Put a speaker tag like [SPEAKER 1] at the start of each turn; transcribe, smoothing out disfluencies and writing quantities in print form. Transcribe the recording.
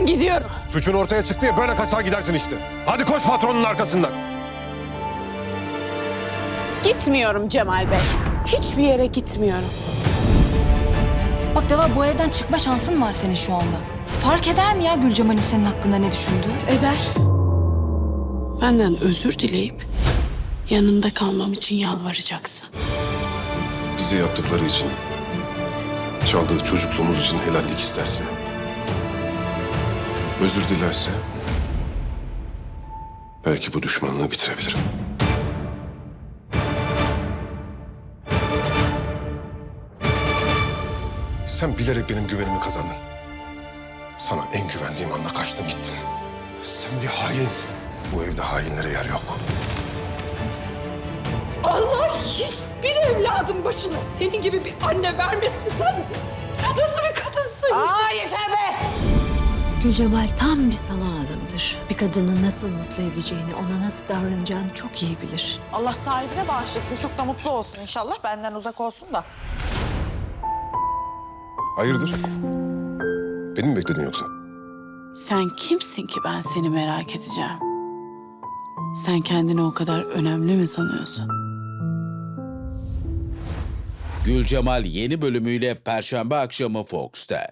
[SPEAKER 1] Gidiyorum.
[SPEAKER 2] Suçun ortaya çıktı ya, böyle kaçar gidersin işte. Hadi koş patronun arkasından.
[SPEAKER 1] Gitmiyorum Cemal Bey. Hiçbir yere gitmiyorum.
[SPEAKER 3] Bak Deva, bu evden çıkma şansın var senin şu anda. Fark eder mi ya Gülcemal'in senin hakkında ne düşündüğü?
[SPEAKER 1] Eder. Benden özür dileyip yanında kalmam için yalvaracaksın.
[SPEAKER 2] Bize yaptıkları için, çaldığı çocukluğumuz için helallik isterse, özür dilerse, belki bu düşmanlığı bitirebilirim. Sen bilerek benim güvenimi kazandın. Sana en güvendiğim anda kaçtın gittin. Sen bir hainsin. Bu evde hainlere yer yok.
[SPEAKER 4] Allah hiçbir evladın başına senin gibi bir anne vermesin sen. Sen nasıl bir kadınsın?
[SPEAKER 5] Gülcemal tam bir salon adamıdır. Bir kadını nasıl mutlu edeceğini, ona nasıl davranacağını çok iyi bilir.
[SPEAKER 6] Allah sahibine bağışlasın. Çok da mutlu olsun inşallah. Benden uzak olsun da.
[SPEAKER 2] Hayırdır? Beni mi bekledin yoksa?
[SPEAKER 1] Sen kimsin ki ben seni merak edeceğim? Sen kendini o kadar önemli mi sanıyorsun?
[SPEAKER 7] Gülcemal yeni bölümüyle Perşembe akşamı Fox'ta.